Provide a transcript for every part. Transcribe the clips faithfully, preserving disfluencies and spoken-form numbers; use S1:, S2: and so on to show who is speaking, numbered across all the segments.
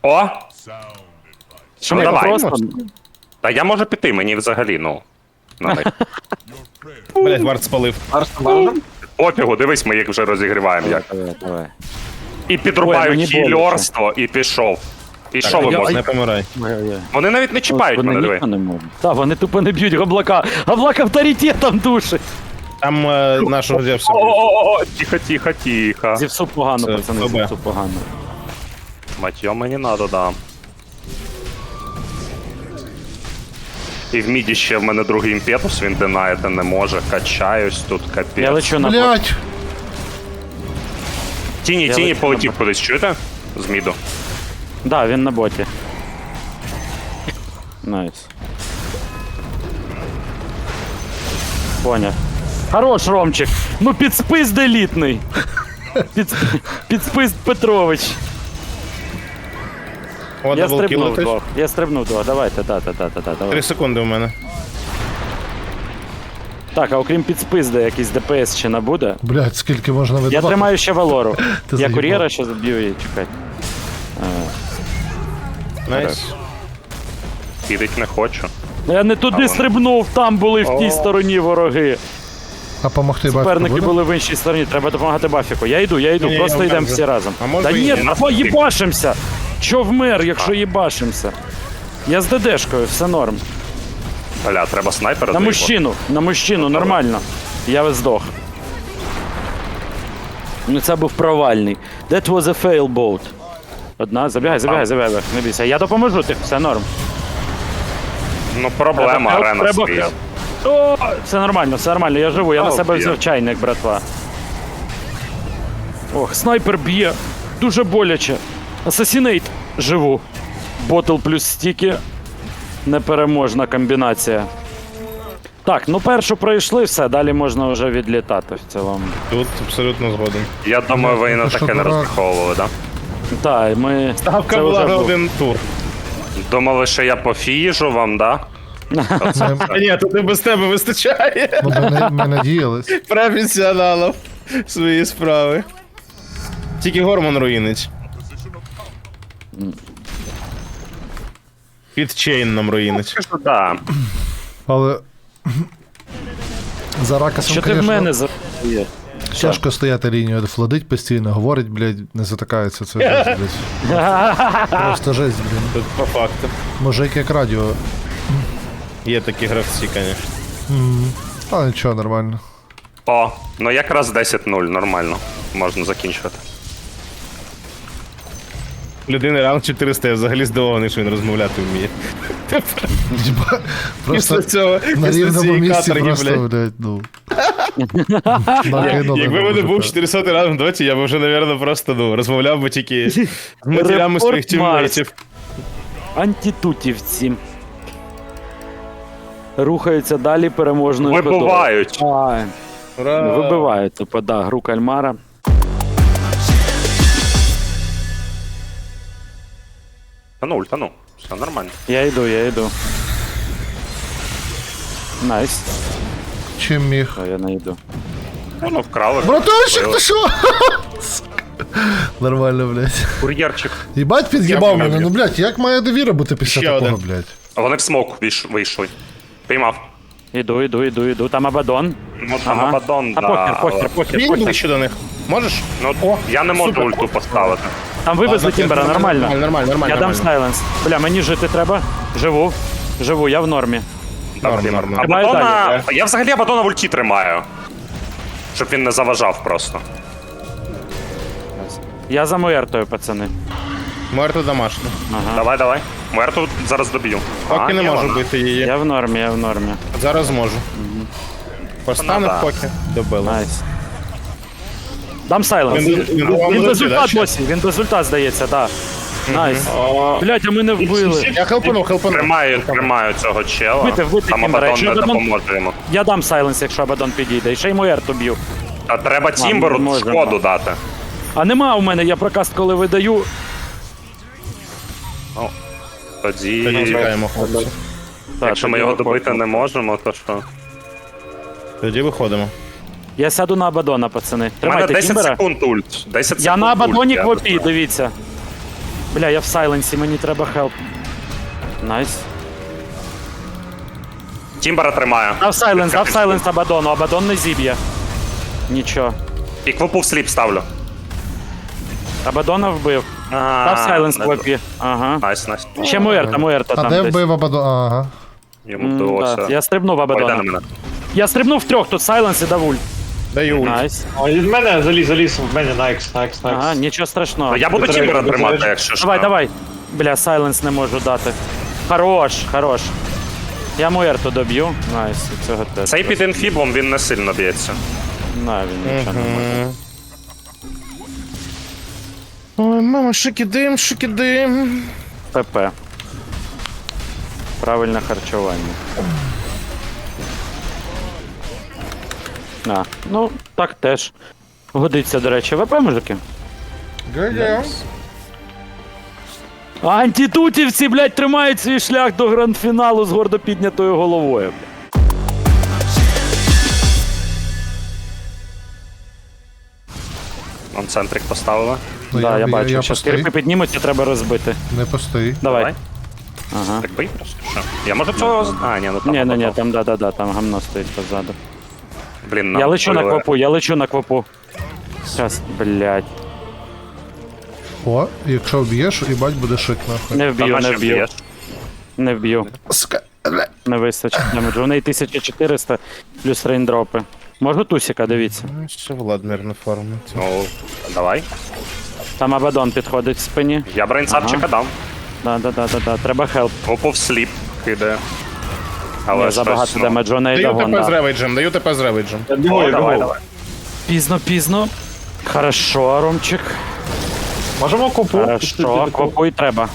S1: О!
S2: Що
S1: Ну,
S2: ми
S1: давай.
S2: просто...
S1: Та я можу піти, мені взагалі, ну. На них.
S3: Блять, вард спалив.
S1: Пофігу, дивись, ми їх вже розігріваємо як.
S2: Давай, давай.
S1: І
S2: Ой,
S1: підрубають
S2: мені
S1: хілерство, і пішов. І що ви
S2: я-
S1: можете?
S3: Не помирай.
S2: Ой-ой-ой.
S1: Вони навіть не чіпають
S2: Вони
S1: мене, диви.
S2: ніхто не можуть. Та, вони тупо не б'ють Габлака. Габлак авторитетом душить.
S3: Там е, нашого Зевса.
S1: О, тихо, тихо, тихо.
S2: Зівсу погано,
S3: Це
S2: пацани,
S3: ФБ.
S2: зівсу погано.
S1: Матьо мені надо, да. І в міді ще в мене другий імпетус, він динаєте не може. Качаюсь тут,
S2: Я
S1: капець.
S2: лечу на бот.
S4: Блять!
S1: Тіні,
S2: Я
S1: тіні
S2: лечу
S1: полетів
S2: на
S1: кудись, чуєте? З міду.
S2: Да, він на боті. Найс. Поняв. Хорош, Ромчик. Ну підспис делітний. Під, підспис Петрович.
S3: О,
S2: Я
S3: даблкіл
S2: стрибнув
S3: летиш.
S2: двох. Я стрибнув двох. Давайте, та-та-та-та-та. Давай.
S3: Три секунди у мене.
S2: Так, а окрім підспизди, якийсь ДПС ще набуде.
S4: Блять, скільки можна
S2: Я
S4: видавати?
S2: тримаю ще Валору.
S4: Ти
S2: Я
S4: заїбав.
S2: кур'єра ще заб'ю і чекай.
S3: Найс.
S1: Підить не хочу.
S2: Я не туди стрибнув, там були в тій стороні вороги.
S4: А помогти бачити
S2: Суперники
S4: буде?
S2: були в іншій стороні, треба допомагати Бафіку. Я йду, я йду,
S3: Ні,
S2: просто
S3: я
S2: йдемо
S3: вмер
S2: всі
S3: вже.
S2: разом.
S3: А може
S2: Та
S3: і
S2: ні,
S3: ні.
S2: або їбашимся! Чо вмер, якщо їбашимся? Я з ДДшкою, все норм.
S1: Бля, треба снайпера
S2: На
S1: заїбати.
S2: мужчину, на мужчину, нормально. Я здох. Ну це був провальний. That was a fail boat. Одна, забігай, забігай, забігай, не бійся. Я допоможу, ти, все норм.
S1: Ну, проблема,
S2: Треба-
S1: арена
S2: треба-
S1: стоїть.
S2: О, все нормально, все нормально, я живу, я
S1: А,
S2: на себе
S1: б'є.
S2: взяв чайник, братва. Ох, снайпер б'є. Дуже боляче. Асасінейт. Живу. Ботл плюс стіки. Непереможна комбінація. Так, ну першу пройшли, все, далі можна вже відлітати в цілому.
S3: Тут абсолютно згоден.
S1: Я думаю, ви і на
S4: Ти що,
S1: таке не
S4: дурак?
S1: розраховували, да?
S2: Так, ми.
S3: Ставка
S2: це
S3: була
S2: вже
S3: на
S2: був.
S3: один тур.
S1: Думали, що я пофіжу вам, да?
S4: Ми,
S3: А ні, тут і без тебе вистачає.
S4: ми, ми, ми надіялись.
S3: Професіоналів свої справи. Тільки Гормон руїнить. Під чейн нам руїнить.
S1: Кажу, да.
S4: Але за ракасом,
S2: Що ти в
S4: конечно,
S2: мене за. Є.
S4: тяжко стояти лінію, флодить постійно, говорить, блядь, не затикається. Це жесть, блядь. Просто жесть, блін.
S3: Тут по факту.
S4: Мужик як радіо.
S3: Є такі гравці, звісно.
S4: Але нічого, нормально.
S1: О, ну якраз десять нуль, нормально. Можна закінчувати.
S3: Людини ранг чотириста, я взагалі здивований, що він розмовляти вміє.
S4: Діба- Просто
S3: Після цього,
S4: на
S3: після
S4: рівному
S3: цієї
S4: місці
S3: каторги,
S4: просто,
S3: блядь.
S4: блядь, ну. Накинули
S3: Якби
S4: на
S3: в мене був
S4: мужика.
S3: чотирисотий ранг в доті, я б вже, напевно, просто ну, розмовляв би тільки з матерями своїх
S2: Репорт Марс.
S3: тіммейтів.
S2: Антитутівці. Рухаються далі переможною ходою.
S1: Вибувають.
S2: А,
S3: Ура!
S2: вибивають, типу, да, гру кальмара.
S1: Та ну, ультану. Все нормально.
S2: Я йду, я йду. Найс.
S4: Чим міг?
S2: А я не йду.
S1: Ну, ну вкрали.
S4: Братанчик, ти що? Нормально, блядь.
S1: Кур'єрчик.
S4: Їбать під'їбав
S3: Я
S4: мене,
S3: поняв.
S4: ну блядь, як має довіра бути після
S3: Ще
S4: такого,
S3: один.
S4: блядь?
S1: А вони в смок вийш- вийшли. Піймав.
S2: Іду, іду, іду, іду. Там Абадон.
S1: Ну, там Абадон,
S2: А
S1: да.
S2: похер, похер,
S1: але-
S2: похер,
S3: Він
S2: похер.
S3: ближче до них. Можеш?
S1: Ну, я не можу
S3: супер.
S1: ульту поставити.
S2: Там вивезли Тімбера, нормально.
S3: Нормально, нормально, нормально.
S2: Я дам
S3: нормально.
S2: сайленс. Бля, мені жити треба. Живу. Живу, я в нормі.
S3: Норм,
S1: Так,
S3: норм, норм.
S1: Абадона...
S2: далі,
S1: Я взагалі Абадона в ульті тримаю. Щоб він не заважав просто.
S2: Я за Муертою, пацани.
S3: Мертво домашнє.
S2: Ага.
S1: Давай, давай. Мерту зараз доб'ю.
S3: Поки
S1: А,
S3: не
S1: ні,
S3: можу
S1: вона.
S3: бити її.
S2: Я в нормі, я в нормі.
S3: Зараз можу. Постане
S1: Вона, да.
S3: поки. Добили.
S2: Найс. Дам сайленс.
S3: Він-
S2: Він,
S3: він-
S2: він,
S3: він
S2: без
S3: летить, да,
S2: ульта
S3: ще?
S2: досі, він без ульта, здається, так. Найс. Блядь, а ми не вбили.
S3: Я хелпанув, хелпанув.
S1: Тримаю, тримаю цього чела.
S2: Вбити, вбити
S1: Там
S2: Тімбера.
S1: Абадон
S2: Якщо
S1: не
S2: Абадон-
S1: допоможе йому.
S2: Я дам сайленс, якщо Абадон підійде. І ще й Муерту б'ю.
S1: А треба
S2: не
S1: Тімберу
S2: можемо.
S1: шкоду дати.
S2: А нема у мене, я прокаст коли видаю.
S1: Ну, тоді,
S3: Тоді тікаємо, хлопці.
S2: Так,
S1: якщо ми
S2: тоді
S1: його
S2: виходимо.
S1: добити не можемо, то що?
S3: Тоді виходимо.
S2: Я сяду на Абадона, пацани.
S1: У мене
S2: Тримайте
S1: десять
S2: Тімбера.
S1: секунд ульт. десять
S2: Я
S1: секунд
S2: на Абадоні
S1: ульт, я
S2: квопі,
S1: не знаю.
S2: дивіться. Бля, я в сайленсі, мені треба хелп. Найс.
S1: Тімбера тримаю.
S2: Дав сайленс, дав сайленс Абадону, Абадон не зіб'є. Нічого.
S1: І квопу в сліп ставлю.
S2: Абадона вбив.
S1: А,
S2: Дав сайленс
S1: не
S2: квопі. Ага.
S1: Найс, найс.
S2: Ще Муерта, Муерта
S4: А
S2: там
S4: де
S2: десь.
S4: вбив Абадон? Ага.
S1: Йому
S2: М,
S1: вдалося.
S2: да. Я стрибнув
S1: Пойде на
S2: Абадона.
S1: мене.
S2: Я стрибнув в трьох, тут сайленс і дав ульт.
S3: Даю ульт.
S2: Найс.
S5: О, від мене заліз, заліз, в мене на X, на X, на X.
S2: Ага, нічого страшного.
S1: Ну, я буду
S5: Треба,
S1: Тімбера
S5: треба.
S1: тримати, якщо що.
S2: Давай, давай. Бля, сайленс не можу дати. Хорош, хорош. Я Муерту доб'ю. Найс, і цього теж.
S1: Цей під інфібом він не сильно б'ється.
S2: На, він нічого не може.
S3: Ой, мама, шики-дим, шики-дим.
S2: ПП. Правильне харчування. А, ну, так теж. Годиться, до речі, ВП, мужики. А антитутівці, блядь, тримають свій шлях до гранд-фіналу з гордо піднятою головою. Блядь.
S1: Он центрик поставили.
S4: Ну,
S2: Да, я, бачу.
S4: Я
S2: Щас
S4: постій.
S2: кирпи піднімуться, треба розбити.
S4: Не постій.
S2: Давай. Ага.
S1: Так бий просто. Що? Я можу цього... з- А, ні, ну там...
S2: Ні, ні, ні,
S1: потом.
S2: там да-да-да, там гамно стоїть позаду.
S1: Блін,
S2: Я
S1: нам
S2: лечу на
S1: вбили.
S2: квапу, я лечу на квапу. Щас, блядь.
S4: О, якщо вб'єш, їбать буде шик нахуй.
S2: Не
S1: Та
S2: вб'ю, не
S1: наче
S2: вб'ю.
S1: б'єш.
S2: Не вб'ю.
S4: Сука, бля.
S2: Не вистачить демеджу. У неї тисяча чотириста плюс рейндропи. Можу тусіка, дивіться.
S3: Ну, Ще Владмир на форму.
S1: Ну, давай.
S2: Там Абадон підходить в спині.
S1: Я брейнсапчика дам.
S2: Да-да-да-да-да. Треба хелп.
S1: Квопу в сліп кидає. Але
S2: Але
S1: щось,
S2: забагато
S1: ну,
S2: демеджу, у неї
S3: Даю
S2: дагон,
S3: ТП з
S2: да.
S3: ревейджем, даю ТП з ревейджем.
S5: Я
S1: О,
S5: бігаю,
S1: давай,
S5: бігаю.
S1: давай.
S2: Пізно, пізно. Хорошо, Ромчик.
S5: Можемо копу?
S2: Хорошо, квапу і треба.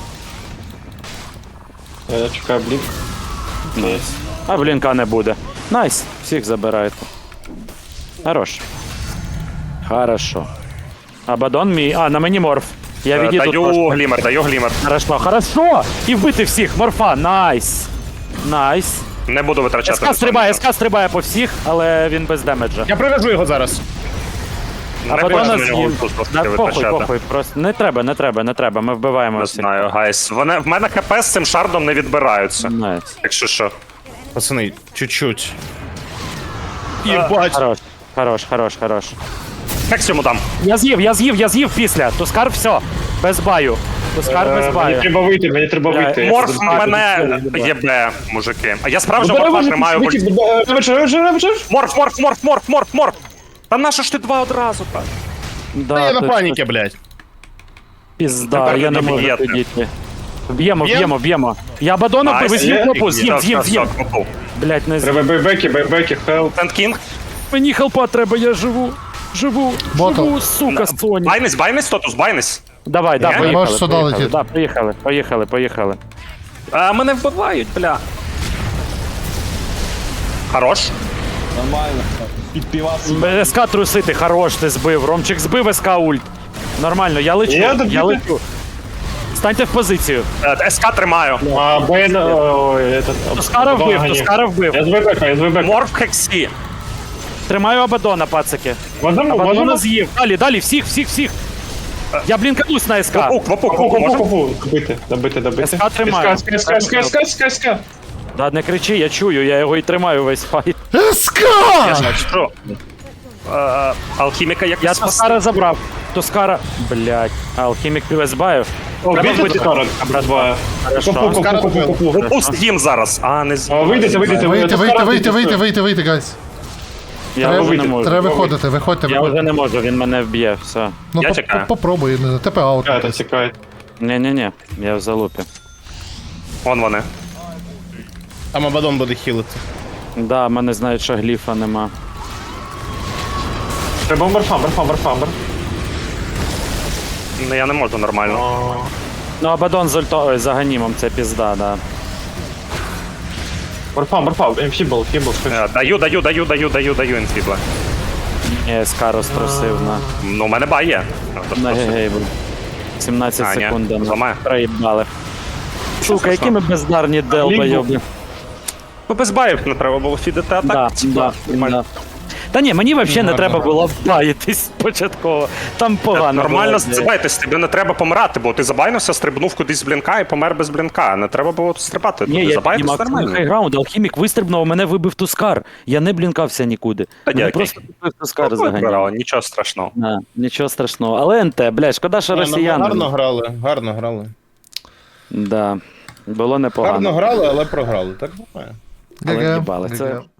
S5: Я чекаю блік.
S2: Найс. А блінка не буде. Найс. Всіх забираєте. Хорош. Хорошо. Абадон мій. А, на мені морф. Я
S1: Е,
S2: відійду
S1: Даю
S2: трошки.
S1: глімер, даю глімер.
S2: Хорошо, хорошо! І вбити всіх, морфа, найс! Найс.
S1: Не буду витрачати.
S2: СК стрибає, СК стрибає по всіх, але він без демеджа.
S3: Я привяжу його зараз.
S1: Не
S2: А
S1: хочу
S2: потім
S1: на
S2: нас
S1: нього
S2: їм.
S1: ульту просто
S2: Да, похуй,
S1: витрачати.
S2: похуй, просто не треба, не треба, не треба, ми вбиваємо
S1: Не
S2: всіх.
S1: знаю, гайс. Вони, в мене хп з цим шардом не відбираються.
S2: Найс.
S1: Якщо що.
S3: Пацани, чуть-чуть. Єбать.
S2: Хорош, хорош, хорош, хорош.
S1: Як йому дам?
S2: Я з'їв, я з'їв, я з'їв після. Тускар все. Без баю. Тускар без
S5: Е, Мені
S2: баю.
S5: треба вийти, мені треба
S2: Бля,
S5: вийти.
S1: Морф
S2: буду бачити,
S1: мене
S2: буду
S1: єбе, мужики. А я справжнього морфа тримаю в ульті. Морф, морф, морф, морф, морф, морф. Та нащо ж ти два одразу так?
S2: Да,
S3: Я на
S2: точно.
S3: паніки, блядь.
S2: Пізда,
S1: Тепер
S2: я
S1: ви
S2: не можу
S1: доб'єте.
S2: підійти. Вб'ємо,
S3: Б'єм?
S2: вб'ємо, вб'ємо. Я Абадона
S1: Найс.
S2: вбив, з'їв
S5: Є?
S2: кнопу, з'їв,
S1: Все,
S2: з'їв,
S1: все,
S2: з'їв.
S1: все, квопу.
S2: Блять, не з'їв.
S5: Треба бейбеки, бейбеки, хелп.
S1: Сент Кінг.
S2: Мені хелпа треба, я живу. Живу,
S4: Ботл.
S2: живу, сука, Соні.
S1: Байнись, байнись, Тотус, байнись.
S2: Давай, да,
S1: Ні?
S2: поїхали,
S4: Можеш сюди
S2: поїхали,
S4: летіти.
S2: да, поїхали, поїхали, поїхали.
S1: А, мене вбивають, бля. Хорош.
S2: СК трусити, хорош, ти збив. Ромчик збив СК ульт. Нормально, я лечу,
S5: Я
S2: я,
S5: доб'ю.
S2: лечу. Станьте в позицію.
S1: Е, СК тримаю.
S5: А, Бен, ой, этот...
S2: Тускара
S5: Абадона
S2: вбив,
S5: гані.
S2: Тускара вбив.
S5: Я з бейбека, я з бейбека.
S1: Морф хексі.
S2: Тримаю Абадона, пацики.
S5: Можемо,
S2: Абадона
S5: можемо?
S2: з'їв. Далі, далі, всіх, всіх, всіх. Я блінканусь на СК.
S1: Квопу, квопу,
S5: Копу,
S1: квопу,
S5: копу,
S1: можна?
S5: копу. Добити, добити, добити.
S2: СК тримаю.
S5: СК, СК, СК, СК, СК, СК.
S2: Да, не кричи, я чую, я його і тримаю весь файт.
S4: Ска!
S1: Що? Е, Алхіміка як
S2: Я
S1: спасти?
S2: Тускара забрав. Тускара. Блять. Алхімік півезбаю.
S5: О,
S2: Треба
S5: бійте
S2: вбити.
S5: Тускара. Братва.
S2: Хорошо.
S5: Копу, копу, копу, копу.
S1: Квопу з'їм зараз. А, не з...
S5: О, Вийдете, вийдете,
S4: Вийти, вийти, вийти, вийти,
S5: вийти.
S4: вийти, вийти, гайс.
S2: Я
S4: Треба,
S2: вже не
S5: вийти,
S2: можу.
S4: треба виходити, виходьте,
S2: Я вже
S4: виходьте.
S2: не можу, він мене вб'є, все.
S4: Ну,
S1: Я
S4: по-
S1: чекаю.
S4: по- попробуй, не знаю, ТП аут.
S5: Тікайте, тікайте.
S2: Ні-ні-ні, я в залупі.
S1: Вон вони.
S3: Там Абадон буде хілити.
S2: Да, в мене знають, що гліфа нема.
S5: Треба морфа, морфа, морфа, морфа.
S1: Ну, я не можу нормально.
S2: Ну, Абадон з ульто... Ой, за ганімом, це пізда, да.
S5: Морфа, морфа, фібл, фібл.
S1: Е, Даю, даю, даю, даю, даю, даю інфібла.
S2: Ні, СК розтрусив на...
S1: Ну, у мене бай є.
S2: на гейбл. сімнадцять
S1: А, ні,
S2: секунд. да,
S1: зламає.
S2: Проїбали. Сука, які ми бездарні делбойоби.
S1: Ну, без баїв не треба було фідити, а
S2: Да,
S1: так,
S2: да,
S1: нормально.
S2: да. Та ні, мені взагалі не
S3: Гарно.
S2: треба було баїтись початково. Там погано.
S1: Нормально
S2: було.
S1: зацибайтесь, тобі не треба помирати, бо ти забайнився, стрибнув кудись з блінка і помер без блінка. Не треба було стрибати.
S2: Ні,
S1: Туди
S2: я
S1: забайтесь
S2: піднімав
S1: нормально.
S2: хайграунд, алхімік вистрибнув, а мене вибив тускар. Я не блінкався нікуди.
S1: Та
S2: Мене
S1: дякую.
S2: просто вибив тускар
S1: Ну,
S2: заганяв.
S1: вибирали, нічого страшного.
S2: А, нічого страшного. Але НТ, блядь, шкода, що
S3: Ні, ну,
S2: росіяни.
S3: гарно грали, гарно грали.
S2: Да. Було
S3: Гарно
S2: непогано.
S3: грали, але програли. Так буває.
S2: Але
S4: ГГ.
S2: їбали, це-
S4: ГГ.